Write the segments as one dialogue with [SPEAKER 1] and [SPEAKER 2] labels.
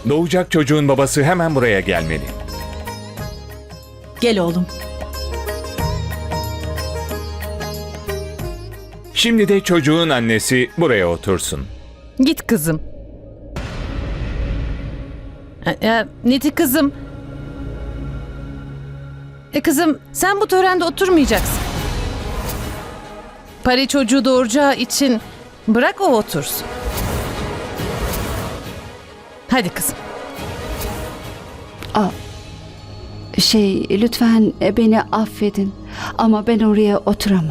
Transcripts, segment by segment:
[SPEAKER 1] Doğacak çocuğun babası hemen buraya gelmeli.
[SPEAKER 2] Gel oğlum.
[SPEAKER 1] Şimdi de çocuğun annesi buraya otursun.
[SPEAKER 3] Git kızım. Niti kızım. Kızım sen bu törende oturmayacaksın. Pari çocuğu doğuracağı için bırak o otursun. Hadi kızım.
[SPEAKER 4] Lütfen beni affedin ama ben oraya oturamam.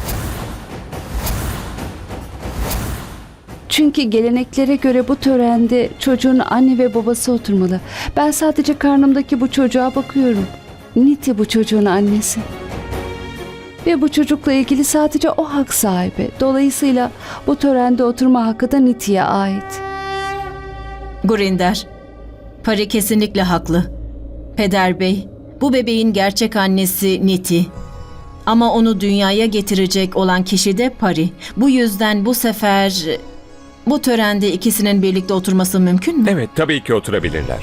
[SPEAKER 4] Çünkü geleneklere göre bu törende çocuğun anne ve babası oturmalı. Ben sadece karnımdaki bu çocuğa bakıyorum. Niti bu çocuğun annesi. Ve bu çocukla ilgili sadece o hak sahibi. Dolayısıyla bu törende oturma hakkı da Niti'ye ait.
[SPEAKER 2] Gurinder, Pari kesinlikle haklı. Peder Bey, bu bebeğin gerçek annesi Niti. Ama onu dünyaya getirecek olan kişi de Pari. Bu yüzden bu sefer bu törende ikisinin birlikte oturması mümkün mü?
[SPEAKER 1] Evet, tabii ki oturabilirler.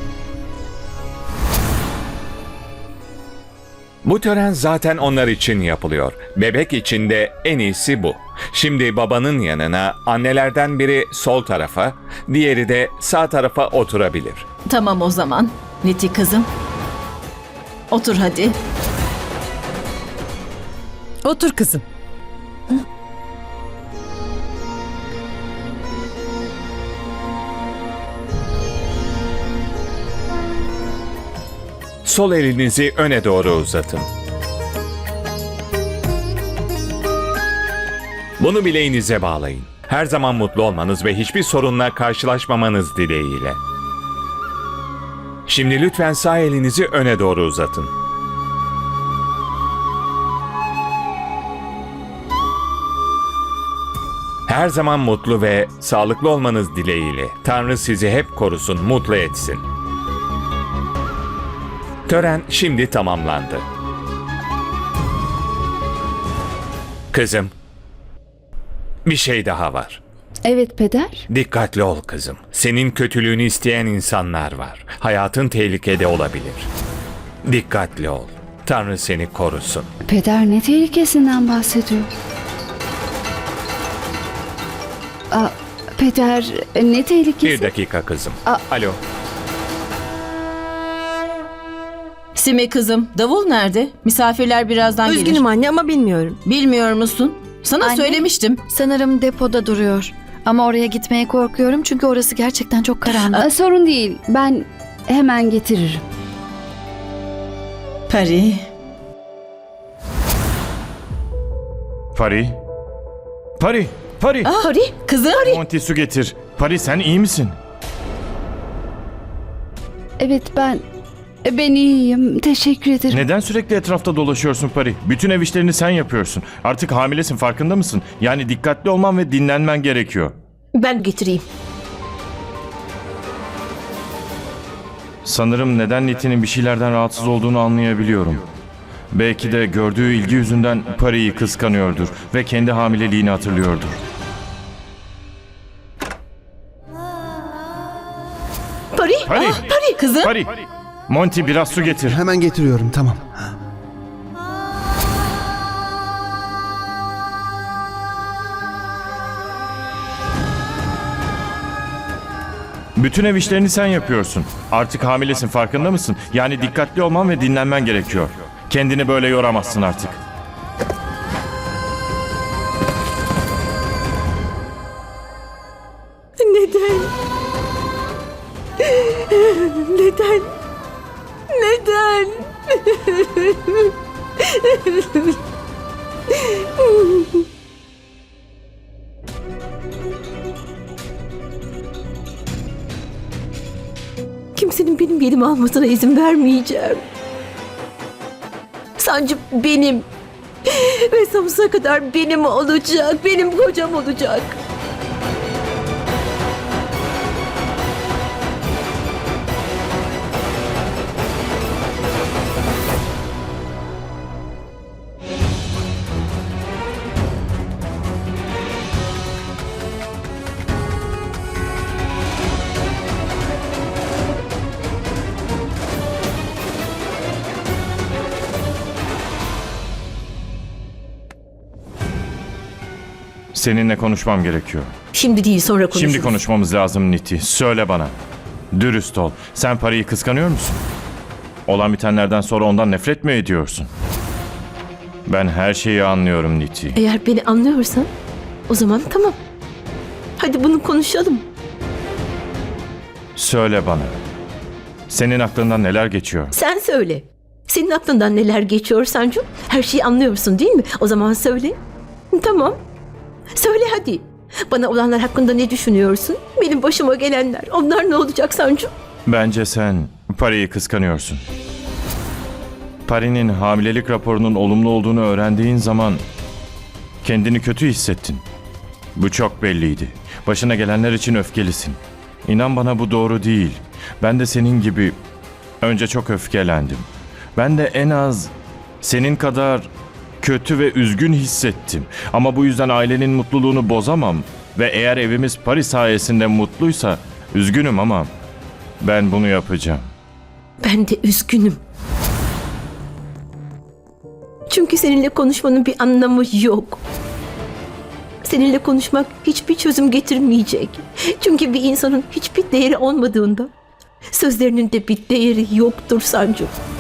[SPEAKER 1] Bu tören zaten onlar için yapılıyor. Bebek için de en iyisi bu. Şimdi babanın yanına annelerden biri sol tarafa, diğeri de sağ tarafa oturabilir.
[SPEAKER 2] Tamam o zaman. Niti kızım. Otur hadi.
[SPEAKER 3] Otur kızım.
[SPEAKER 1] Sol elinizi öne doğru uzatın. Bunu bileğinize bağlayın. Her zaman mutlu olmanız ve hiçbir sorunla karşılaşmamanız dileğiyle. Şimdi lütfen sağ elinizi öne doğru uzatın. Her zaman mutlu ve sağlıklı olmanız dileğiyle. Tanrı sizi hep korusun, mutlu etsin. Tören şimdi tamamlandı. Kızım, bir şey daha var.
[SPEAKER 4] Evet peder.
[SPEAKER 1] Dikkatli ol kızım. Senin kötülüğünü isteyen insanlar var. Hayatın tehlikede olabilir. Dikkatli ol. Tanrı seni korusun.
[SPEAKER 4] Peder ne tehlikesinden bahsediyor? Peder ne tehlikesi?
[SPEAKER 1] Bir dakika kızım. Alo.
[SPEAKER 2] Sime kızım, davul nerede? Misafirler birazdan gelir.
[SPEAKER 5] Üzgünüm anne ama bilmiyorum.
[SPEAKER 2] Bilmiyor musun? Sana
[SPEAKER 6] Anne.
[SPEAKER 2] söylemiştim.
[SPEAKER 6] Sanırım depoda duruyor. Ama oraya gitmeye korkuyorum çünkü orası gerçekten çok karanlık.
[SPEAKER 4] Sorun değil. Ben hemen getiririm.
[SPEAKER 2] Pari.
[SPEAKER 7] Pari. Pari. Pari.
[SPEAKER 2] Pari. Kızım.
[SPEAKER 7] Monty su getir. Pari sen iyi misin?
[SPEAKER 4] Evet ben iyiyim. Teşekkür ederim.
[SPEAKER 7] Neden sürekli etrafta dolaşıyorsun Pari? Bütün ev işlerini sen yapıyorsun. Artık hamilesin farkında mısın? Yani dikkatli olman ve dinlenmen gerekiyor.
[SPEAKER 5] Ben getireyim.
[SPEAKER 7] Sanırım neden Niti'nin bir şeylerden rahatsız olduğunu anlayabiliyorum. Belki de gördüğü ilgi yüzünden Pari'yi kıskanıyordur ve kendi hamileliğini hatırlıyordur.
[SPEAKER 5] Pari.
[SPEAKER 7] Pari.
[SPEAKER 2] Pari. Kızım.
[SPEAKER 7] Pari. Monty biraz su getir.
[SPEAKER 8] Hemen getiriyorum, tamam.
[SPEAKER 7] Bütün ev işlerini sen yapıyorsun. Artık hamilesin farkında mısın? Yani dikkatli olman ve dinlenmen gerekiyor. Kendini böyle yoramazsın artık.
[SPEAKER 5] Neden? Neden? Neden? Kimsenin benim yerimi almasına izin vermeyeceğim. Sancı benim. Ve sonsuza kadar benim olacak. Benim kocam olacak.
[SPEAKER 7] Seninle konuşmam gerekiyor.
[SPEAKER 5] Şimdi değil, sonra konuşuruz.
[SPEAKER 7] Şimdi konuşmamız lazım Niti. Söyle bana. Dürüst ol. Sen Pari'yi kıskanıyor musun? Olan bitenlerden sonra ondan nefret mi ediyorsun? Ben her şeyi anlıyorum Niti.
[SPEAKER 5] Eğer beni anlıyorsan o zaman tamam. Hadi bunu konuşalım.
[SPEAKER 7] Söyle bana. Senin aklından neler geçiyor?
[SPEAKER 5] Sen söyle. Senin aklından neler geçiyor Sancu? Her şeyi anlıyorsun değil mi? O zaman söyle. Tamam. Söyle hadi. Bana olanlar hakkında ne düşünüyorsun? Benim başıma gelenler. Onlar ne olacak Sancu?
[SPEAKER 7] Bence sen Pari'yi kıskanıyorsun. Pari'nin hamilelik raporunun olumlu olduğunu öğrendiğin zaman kendini kötü hissettin. Bu çok belliydi. Başına gelenler için öfkelisin. İnan bana bu doğru değil. Ben de senin gibi önce çok öfkelendim. Ben de en az senin kadar kötü ve üzgün hissettim. Ama bu yüzden ailenin mutluluğunu bozamam. Ve eğer evimiz Paris sayesinde mutluysa üzgünüm ama ben bunu yapacağım.
[SPEAKER 5] Ben de üzgünüm. Çünkü seninle konuşmanın bir anlamı yok. Seninle konuşmak hiçbir çözüm getirmeyecek. Çünkü bir insanın hiçbir değeri olmadığında sözlerinin de bir değeri yoktur Sancu.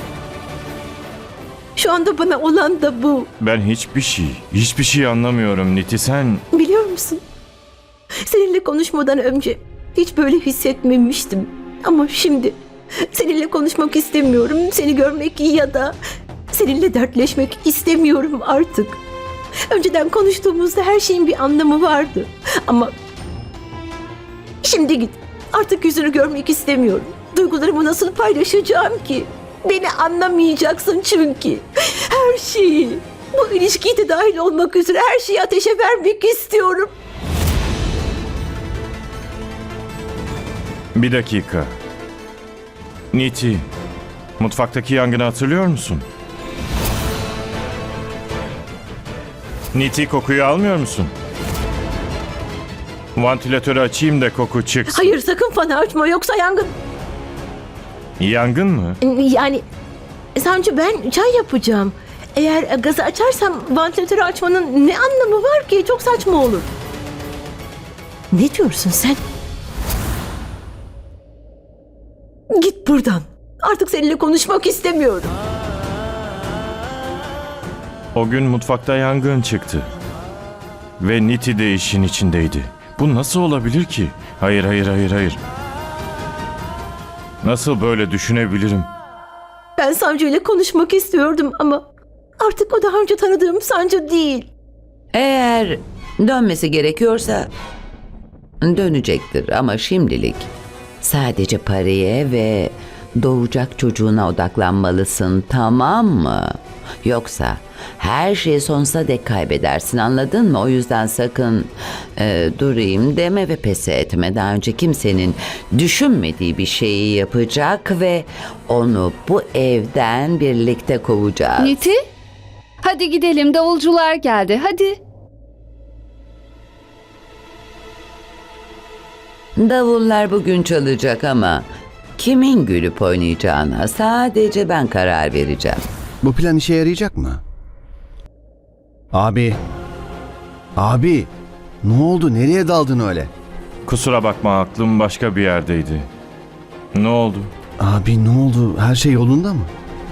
[SPEAKER 5] Şu anda bana olan da bu.
[SPEAKER 7] Ben hiçbir şey anlamıyorum Niti. Sen
[SPEAKER 5] Biliyor musun? Seninle konuşmadan önce hiç böyle hissetmemiştim. Ama şimdi seninle konuşmak istemiyorum. Seni görmek ya da seninle dertleşmek istemiyorum artık. Önceden konuştuğumuzda her şeyin bir anlamı vardı. Ama şimdi git. Artık yüzünü görmek istemiyorum. Duygularımı nasıl paylaşacağım ki? Beni anlamayacaksın çünkü. Her şeyi, bu ilişkiye de dahil olmak üzere her şeyi ateşe vermek istiyorum.
[SPEAKER 7] bir dakika. Niti, mutfaktaki yangını hatırlıyor musun? Niti, kokuyu almıyor musun? Vantilatörü açayım da koku çıksın.
[SPEAKER 5] Hayır, sakın fanı açma yoksa yangın.
[SPEAKER 7] Yangın mı?
[SPEAKER 5] Yani Sancı, ben çay yapacağım. Eğer gazı açarsam vantilatörü açmanın ne anlamı var ki? Çok saçma olur. Ne diyorsun sen? Git buradan. Artık seninle konuşmak istemiyorum.
[SPEAKER 7] O gün mutfakta yangın çıktı. Ve Niti de işin içindeydi. Bu nasıl olabilir ki? Hayır. Nasıl böyle düşünebilirim?
[SPEAKER 5] Ben Sancı ile konuşmak istiyordum ama artık o daha önce tanıdığım Sancı değil.
[SPEAKER 8] Eğer dönmesi gerekiyorsa dönecektir ama şimdilik sadece paraya ve doğacak çocuğuna odaklanmalısın, tamam mı? Yoksa her şeyi sonsuza dek kaybedersin, anladın mı? O yüzden sakın durayım deme ve pes etme. Daha önce kimsenin düşünmediği bir şeyi yapacak ve onu bu evden birlikte kovacağız.
[SPEAKER 4] Niti? Hadi gidelim, davulcular geldi, hadi.
[SPEAKER 8] Davullar bugün çalacak ama kimin gülüp oynayacağına sadece ben karar vereceğim.
[SPEAKER 9] Bu plan işe yarayacak mı? Abi. Abi. Ne oldu? Nereye daldın öyle?
[SPEAKER 7] Kusura bakma, aklım başka bir yerdeydi. Ne oldu?
[SPEAKER 9] Abi ne oldu? Her şey yolunda mı?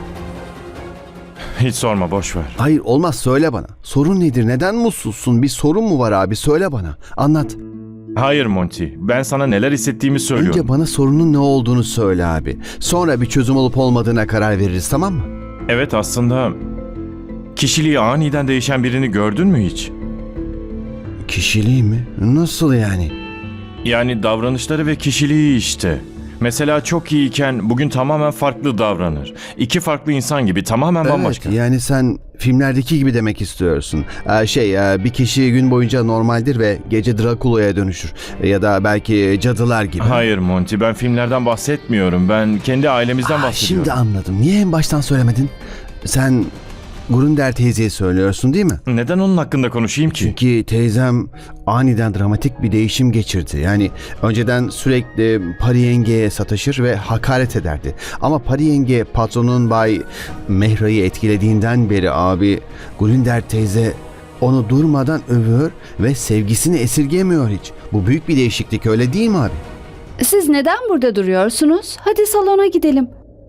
[SPEAKER 7] Hiç sorma, boş ver.
[SPEAKER 9] Hayır olmaz, söyle bana. Sorun nedir? Neden mutsuzsun? Bir sorun mu var abi? Söyle bana. Anlat.
[SPEAKER 7] Hayır Monty, ben sana neler hissettiğimi söylüyorum.
[SPEAKER 9] Önce bana sorunun ne olduğunu söyle abi. Sonra bir çözüm olup olmadığına karar veririz, tamam mı?
[SPEAKER 7] Evet, aslında kişiliği aniden değişen birini gördün mü hiç?
[SPEAKER 9] Kişiliği mi? Nasıl yani?
[SPEAKER 7] Yani davranışları ve kişiliği işte. Mesela çok iyiyken bugün tamamen farklı davranır. İki farklı insan gibi, tamamen bambaşka.
[SPEAKER 9] Evet, yani sen filmlerdeki gibi demek istiyorsun. Bir kişi gün boyunca normaldir ve gece Drakula'ya dönüşür. Ya da belki cadılar gibi.
[SPEAKER 7] Hayır Monty, ben filmlerden bahsetmiyorum. Ben kendi ailemizden bahsediyorum.
[SPEAKER 9] Şimdi anladım. Niye en baştan söylemedin? Sen Grunder teyzeye söylüyorsun değil mi?
[SPEAKER 7] Neden onun hakkında konuşayım ki?
[SPEAKER 9] Çünkü teyzem aniden dramatik bir değişim geçirdi. Yani önceden sürekli Pari yengeye sataşır ve hakaret ederdi. Ama Pari yenge patronun Bay Mehra'yı etkilediğinden beri abi Grunder teyze Onu durmadan övüyor ve sevgisini esirgemiyor hiç. Bu büyük bir değişiklik, öyle değil mi abi?
[SPEAKER 4] Siz neden burada duruyorsunuz? Hadi salona gidelim.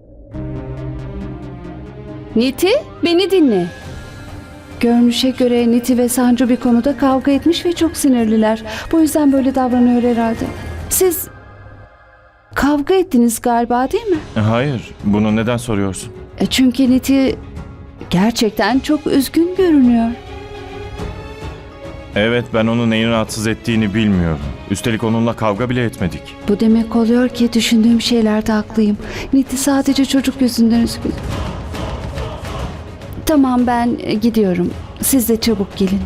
[SPEAKER 4] Niti, beni dinle. Görünüşe göre Niti ve Sancu bir konuda kavga etmiş ve çok sinirliler. Bu yüzden böyle davranıyor herhalde. Siz kavga ettiniz galiba, değil mi?
[SPEAKER 7] Hayır, bunu neden soruyorsun?
[SPEAKER 4] Çünkü Niti gerçekten çok üzgün görünüyor.
[SPEAKER 7] Evet, ben onun neyi rahatsız ettiğini bilmiyorum. Üstelik onunla kavga bile etmedik.
[SPEAKER 4] Bu demek oluyor ki düşündüğüm şeylerde haklıyım. Niti sadece çocuk yüzünden üzgün. Tamam, ben gidiyorum. Siz de çabuk gelin.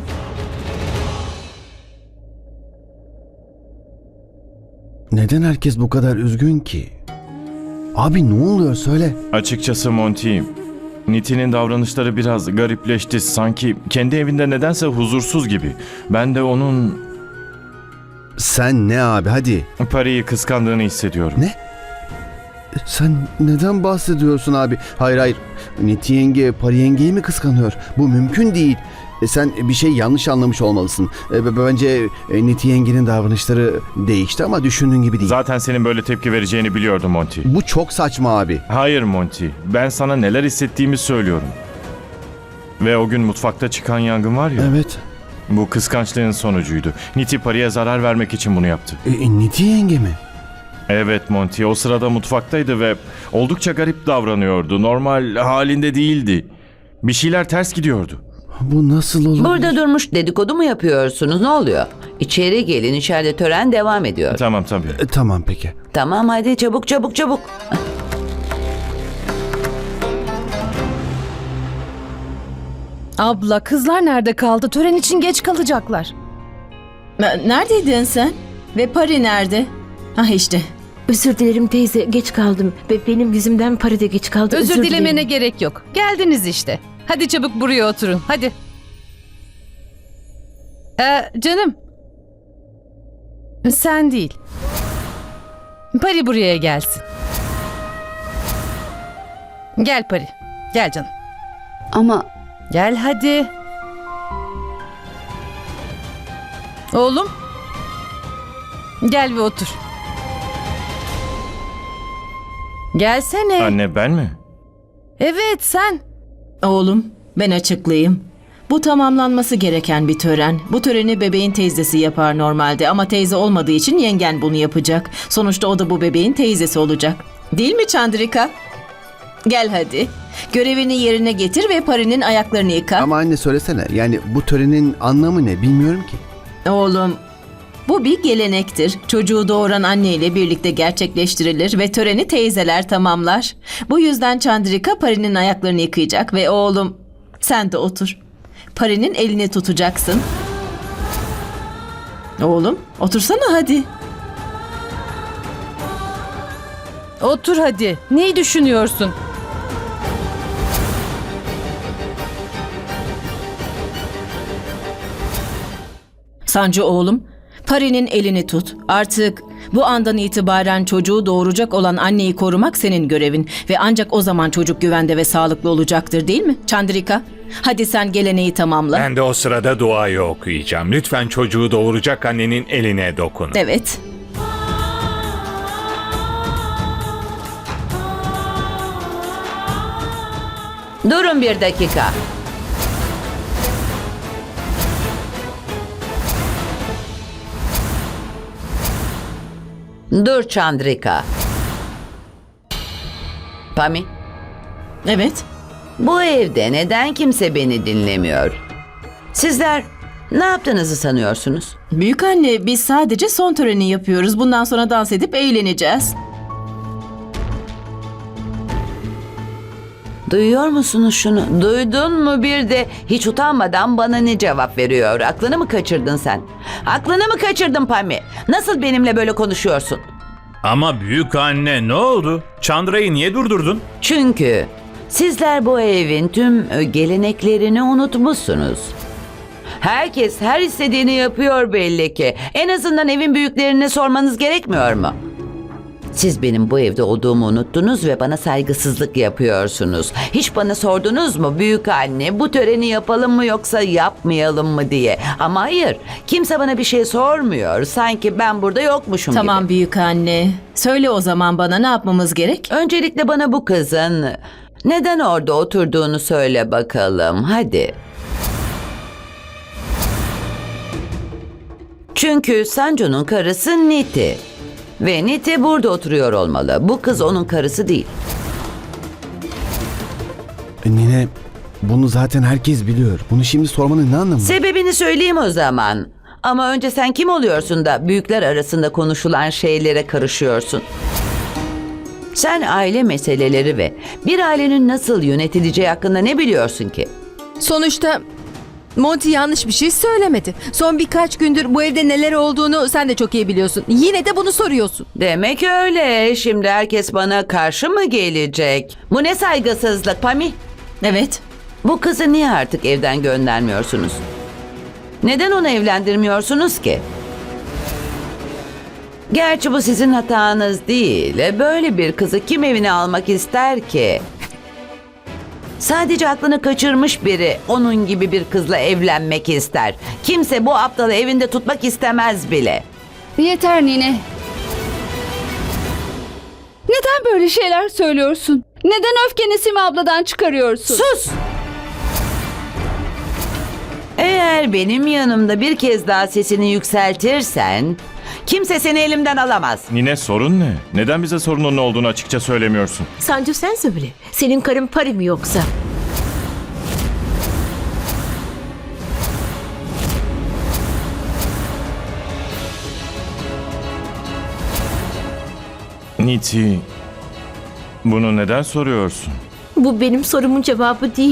[SPEAKER 9] Neden herkes bu kadar üzgün ki? Abi ne oluyor, söyle.
[SPEAKER 7] Açıkçası Monty, Niti'nin davranışları biraz garipleşti. Sanki kendi evinde nedense huzursuz gibi. Ben de onun
[SPEAKER 9] Sen ne abi, hadi.
[SPEAKER 7] Pari'yi kıskandığını hissediyorum.
[SPEAKER 9] Ne? Sen neden bahsediyorsun abi? Hayır hayır. Niti yenge Pari yengeyi mi kıskanıyor? Bu mümkün değil. Sen bir şey yanlış anlamış olmalısın. Bence Niti yengenin davranışları değişti ama düşündüğün gibi değil.
[SPEAKER 7] Zaten senin böyle tepki vereceğini biliyordum Monty.
[SPEAKER 9] Bu çok saçma abi.
[SPEAKER 7] Hayır Monty, ben sana neler hissettiğimi söylüyorum. Ve o gün mutfakta çıkan yangın var ya,
[SPEAKER 9] Evet.
[SPEAKER 7] bu kıskançlığın sonucuydu. Niti Pari'ye zarar vermek için bunu yaptı.
[SPEAKER 9] Niti yenge mi?
[SPEAKER 7] Evet Monty, o sırada mutfaktaydı ve oldukça garip davranıyordu. Normal halinde değildi. Bir şeyler ters gidiyordu.
[SPEAKER 9] Bu nasıl olur?
[SPEAKER 8] Burada durmuş dedikodu mu yapıyorsunuz? Ne oluyor? İçeri gelin, içeride tören devam ediyor.
[SPEAKER 7] Tamam tabii.
[SPEAKER 9] Tamam peki.
[SPEAKER 8] Tamam, hadi çabuk çabuk çabuk.
[SPEAKER 3] Abla, kızlar nerede kaldı? Tören için geç kalacaklar.
[SPEAKER 2] Neredeydin sen? Ve Pari nerede? Ah işte.
[SPEAKER 5] Özür dilerim teyze, geç kaldım ve benim yüzümden Pari de geç kaldı.
[SPEAKER 3] Özür dilemene
[SPEAKER 5] dilerim.
[SPEAKER 3] gerek yok. Geldiniz işte. Hadi çabuk buraya oturun. Hadi. Canım. Sen değil. Pari buraya gelsin. Gel Pari. Gel canım.
[SPEAKER 4] Ama
[SPEAKER 3] Gel hadi. Oğlum. Gel ve otur. Gelsene.
[SPEAKER 7] Anne, ben mi?
[SPEAKER 3] Evet, sen.
[SPEAKER 2] Oğlum, ben açıklayayım. Bu tamamlanması gereken bir tören. Bu töreni bebeğin teyzesi yapar normalde ama teyze olmadığı için yengen bunu yapacak. Sonuçta o da bu bebeğin teyzesi olacak. Değil mi Chandrika? Gel hadi. Görevini yerine getir ve Pari'nin ayaklarını yıka.
[SPEAKER 9] Ama anne söylesene, yani bu törenin anlamı ne bilmiyorum ki.
[SPEAKER 2] Oğlum, bu bir gelenektir. Çocuğu doğuran anne ile birlikte gerçekleştirilir ve töreni teyzeler tamamlar. Bu yüzden Chandrika Pari'nin ayaklarını yıkayacak ve oğlum sen de otur. Pari'nin elini tutacaksın. Oğlum, otursana hadi.
[SPEAKER 3] Otur hadi. Neyi düşünüyorsun?
[SPEAKER 2] Sancu oğlum, Pari'nin elini tut. Artık bu andan itibaren çocuğu doğuracak olan anneyi korumak senin görevin ve ancak o zaman çocuk güvende ve sağlıklı olacaktır, değil mi? Chandrika, hadi sen geleneği tamamla.
[SPEAKER 1] Ben de o sırada duayı okuyacağım. Lütfen çocuğu doğuracak annenin eline dokun.
[SPEAKER 2] Evet.
[SPEAKER 8] Durun bir dakika. Dur Chandrika. Pami,
[SPEAKER 2] Evet.
[SPEAKER 8] bu evde neden kimse beni dinlemiyor? Sizler ne yaptığınızı sanıyorsunuz?
[SPEAKER 2] Büyük anne, biz sadece son töreni yapıyoruz. Bundan sonra dans edip eğleneceğiz.
[SPEAKER 8] Duyuyor musunuz şunu? Duydun mu bir de hiç utanmadan bana ne cevap veriyor? Aklını mı kaçırdın sen? Aklını mı kaçırdın Pami? Nasıl benimle böyle konuşuyorsun?
[SPEAKER 10] Ama büyük anne ne oldu? Chandra'yı niye durdurdun?
[SPEAKER 8] Çünkü sizler bu evin tüm geleneklerini unutmuşsunuz. Herkes her istediğini yapıyor belli ki. En azından evin büyüklerine sormanız gerekmiyor mu? Siz benim bu evde olduğumu unuttunuz ve bana saygısızlık yapıyorsunuz. Hiç bana sordunuz mu büyük anne bu töreni yapalım mı yoksa yapmayalım mı diye. Ama hayır, kimse bana bir şey sormuyor. Sanki ben burada yokmuşum gibi.
[SPEAKER 2] Tamam büyük anne. Söyle o zaman bana ne yapmamız gerek?
[SPEAKER 8] Öncelikle bana bu kızın neden orada oturduğunu söyle bakalım. Hadi. Çünkü Sancu'nun karısı Niti. Ve Niti burada oturuyor olmalı. Bu kız onun karısı değil.
[SPEAKER 9] Nine, bunu zaten herkes biliyor. Bunu şimdi sormanın ne anlamı var?
[SPEAKER 8] Sebebini söyleyeyim o zaman. Ama önce sen kim oluyorsun da büyükler arasında konuşulan şeylere karışıyorsun? Sen aile meseleleri ve bir ailenin nasıl yönetileceği hakkında ne biliyorsun ki?
[SPEAKER 11] Sonuçta Monty yanlış bir şey söylemedi. Son birkaç gündür bu evde neler olduğunu sen de çok iyi biliyorsun. Yine de bunu soruyorsun.
[SPEAKER 8] Demek öyle. Şimdi herkes bana karşı mı gelecek? Bu ne saygısızlık Pami?
[SPEAKER 2] Evet.
[SPEAKER 8] Bu kızı niye artık evden göndermiyorsunuz? Neden onu evlendirmiyorsunuz ki? Gerçi bu sizin hatanız değil. Böyle bir kızı kim evine almak ister ki? Sadece aklını kaçırmış biri onun gibi bir kızla evlenmek ister. Kimse bu aptalı evinde tutmak istemez bile.
[SPEAKER 4] Yeter Nine. Neden böyle şeyler söylüyorsun? Neden öfkeni Sima abladan çıkarıyorsun?
[SPEAKER 8] Sus! Eğer benim yanımda bir kez daha sesini yükseltirsen kimse seni elimden alamaz.
[SPEAKER 7] Nine sorun ne? Neden bize sorunun ne olduğunu açıkça söylemiyorsun?
[SPEAKER 5] Sancu sen söyle. Senin karın Pari mi yoksa?
[SPEAKER 7] Niti, bunu neden soruyorsun?
[SPEAKER 5] Bu benim sorumun cevabı değil.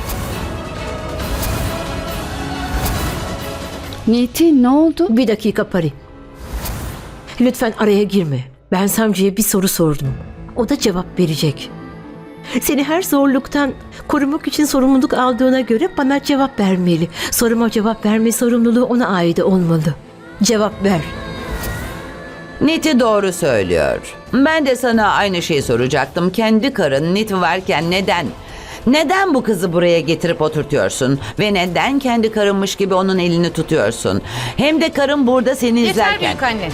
[SPEAKER 4] Niti ne oldu?
[SPEAKER 5] Bir dakika Pari. Lütfen araya girme. Ben Sancu'ya bir soru sordum. O da cevap verecek. Seni her zorluktan korumak için sorumluluk aldığına göre bana cevap vermeli. Soruma cevap verme sorumluluğu ona ait olmalı. Cevap ver.
[SPEAKER 8] Niti doğru söylüyor. Ben de sana aynı şeyi soracaktım. Kendi karın Niti varken neden? Neden bu kızı buraya getirip oturtuyorsun? Ve neden kendi karınmış gibi onun elini tutuyorsun? Hem de karın burada seni
[SPEAKER 3] Yeter
[SPEAKER 8] izlerken.
[SPEAKER 3] büyük anne.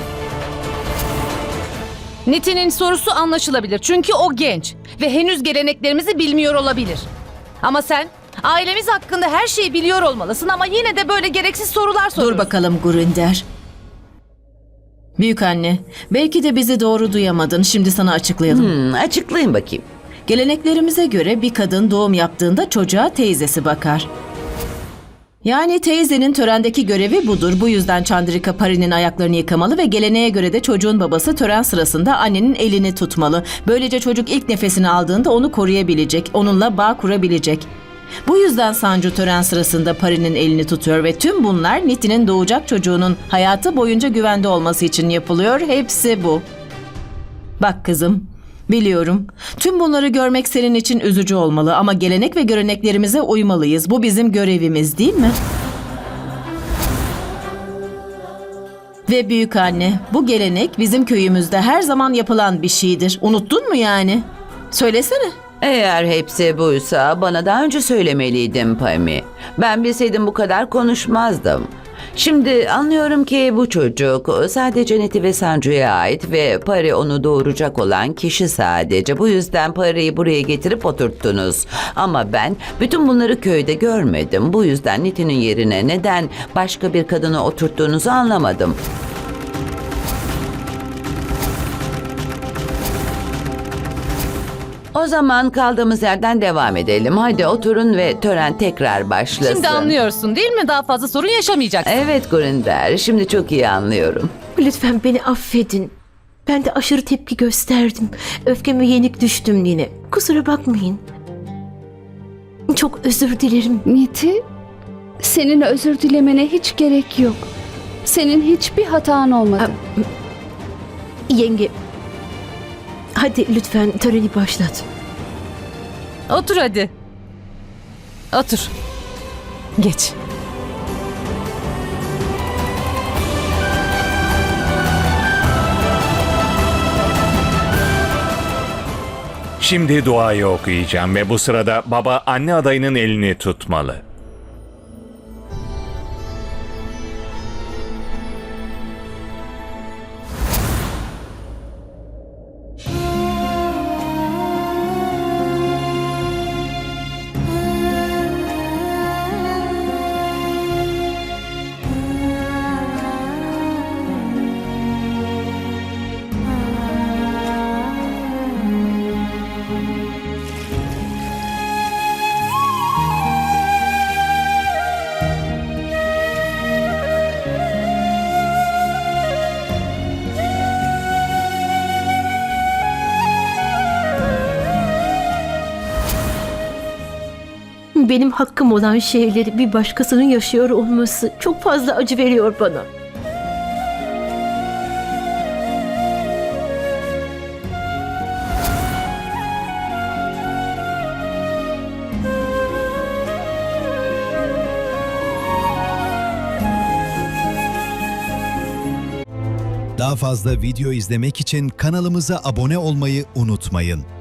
[SPEAKER 3] Niti'nin sorusu anlaşılabilir çünkü o genç ve henüz geleneklerimizi bilmiyor olabilir. Ama sen ailemiz hakkında her şeyi biliyor olmalısın ama yine de böyle gereksiz sorular soruyorsun.
[SPEAKER 2] Dur bakalım Gurinder. Büyük anne, belki de bizi doğru duyamadın. Şimdi sana açıklayalım.
[SPEAKER 8] Açıklayın bakayım.
[SPEAKER 2] Geleneklerimize göre bir kadın doğum yaptığında çocuğa teyzesi bakar. Yani teyzenin törendeki görevi budur. Bu yüzden Chandrika Pari'nin ayaklarını yıkamalı ve geleneğe göre de çocuğun babası tören sırasında annenin elini tutmalı. Böylece çocuk ilk nefesini aldığında onu koruyabilecek, onunla bağ kurabilecek. Bu yüzden Sancu tören sırasında Pari'nin elini tutuyor ve tüm bunlar Niti'nin doğacak çocuğunun hayatı boyunca güvende olması için yapılıyor. Hepsi bu. Bak kızım, biliyorum. Tüm bunları görmek senin için üzücü olmalı ama gelenek ve göreneklerimize uymalıyız. Bu bizim görevimiz, değil mi? Ve büyük anne, bu gelenek bizim köyümüzde her zaman yapılan bir şeydir. Unuttun mu yani? Söylesene.
[SPEAKER 8] Eğer hepsi buysa bana daha önce söylemeliydin Pami. Ben bilseydim bu kadar konuşmazdım. Şimdi anlıyorum ki bu çocuk sadece Niti ve Sancu'ya ait ve Pari onu doğuracak olan kişi sadece. Bu yüzden Pari'yi buraya getirip oturttunuz. Ama ben bütün bunları köyde görmedim. Bu yüzden Niti'nin yerine neden başka bir kadını oturttuğunuzu anlamadım. O zaman kaldığımız yerden devam edelim. Hadi oturun ve tören tekrar başlasın.
[SPEAKER 3] Şimdi anlıyorsun değil mi? Daha fazla sorun yaşamayacaksın.
[SPEAKER 8] Evet Gurinder, şimdi çok iyi anlıyorum.
[SPEAKER 5] Lütfen beni affedin. Ben de aşırı tepki gösterdim. Öfkeme yenik düştüm yine. Kusura bakmayın. Çok özür dilerim.
[SPEAKER 4] Niti, senin özür dilemene hiç gerek yok. Senin hiçbir hatan olmadı.
[SPEAKER 5] Yenge, hadi lütfen töreni başlat.
[SPEAKER 3] Otur hadi. Otur. Geç.
[SPEAKER 1] Şimdi duayı okuyacağım ve bu sırada baba anne adayının elini tutmalı.
[SPEAKER 5] Benim hakkım olan şeyleri bir başkasının yaşıyor olması çok fazla acı veriyor bana.
[SPEAKER 12] Daha fazla video izlemek için kanalımıza abone olmayı unutmayın.